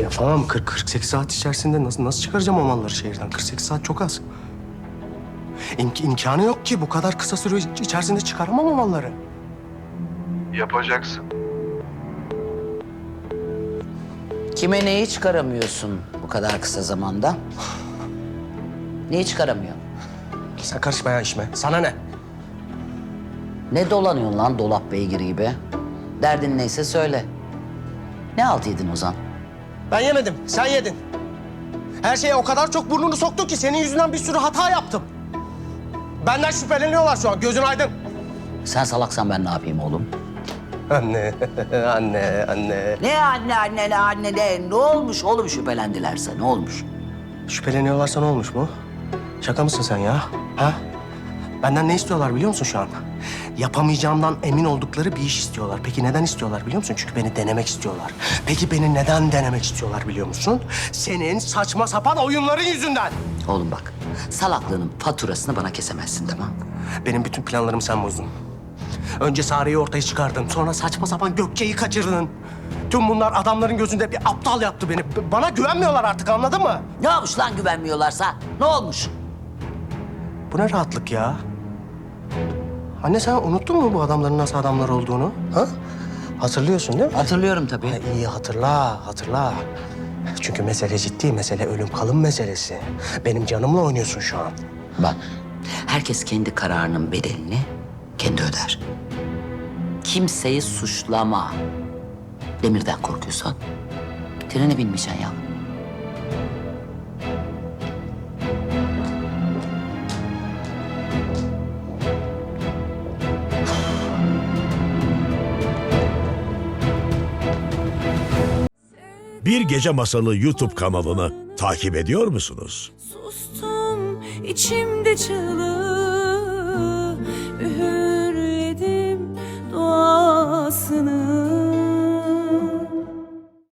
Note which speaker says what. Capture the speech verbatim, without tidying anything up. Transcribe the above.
Speaker 1: yapamam. kırk kırk sekiz saat içerisinde nasıl nasıl çıkaracağım o malları şehirden? kırk sekiz saat çok az. İmk imkanı yok ki. Bu kadar kısa süre içerisinde çıkaramam o malları.
Speaker 2: Yapacaksın.
Speaker 3: Kime neyi çıkaramıyorsun bu kadar kısa zamanda? Neyi çıkaramıyor?
Speaker 1: Sen karışma ya işime. Sana ne?
Speaker 3: Ne dolanıyorsun lan dolap beygiri gibi? Derdin neyse söyle. Ne halt yedin Ozan?
Speaker 1: Ben yemedim. Sen yedin. Her şeye o kadar çok burnunu soktun ki senin yüzünden bir sürü hata yaptım. Benden şüpheleniyorlar şu an. Gözün aydın.
Speaker 3: Sen salaksan ben ne yapayım oğlum?
Speaker 1: Anne, anne, anne.
Speaker 3: Ne anne anne ne anne ne? Ne olmuş oğlum şüphelendilerse ne olmuş?
Speaker 1: Şüpheleniyorlarsa ne olmuş mu? Şaka mısın sen ya? Ha? Benden ne istiyorlar biliyor musun şu an? Yapamayacağımdan emin oldukları bir iş istiyorlar. Peki neden istiyorlar biliyor musun? Çünkü beni denemek istiyorlar. Peki beni neden denemek istiyorlar biliyor musun? Senin saçma sapan oyunların yüzünden.
Speaker 3: Oğlum bak salaklığının faturasını bana kesemezsin tamam?
Speaker 1: Benim bütün planlarımı sen bozdun. Önce Sare'yi ortaya çıkardın. Sonra saçma sapan Gökçe'yi kaçırdın. Tüm bunlar adamların gözünde bir aptal yaptı beni. B- Bana güvenmiyorlar artık, anladın mı?
Speaker 3: Ne olmuş lan güvenmiyorlarsa? Ne olmuş?
Speaker 1: Bu ne rahatlık ya? Anne sen unuttun mu bu adamların nasıl adamlar olduğunu? Ha? Hatırlıyorsun değil mi?
Speaker 3: Hatırlıyorum tabii.
Speaker 1: Ha, iyi hatırla, hatırla. Çünkü mesele ciddi, mesele ölüm kalım meselesi. Benim canımla oynuyorsun şu an.
Speaker 3: Bak, herkes kendi kararının bedelini kendi öder. Kimseyi suçlama. Demirden korkuyorsan trene binmeyeceksin ya.
Speaker 4: Bir Gece Masalı YouTube kanalını takip ediyor musunuz?
Speaker 5: Sustum içimde çığlığı, üğürledim duasını.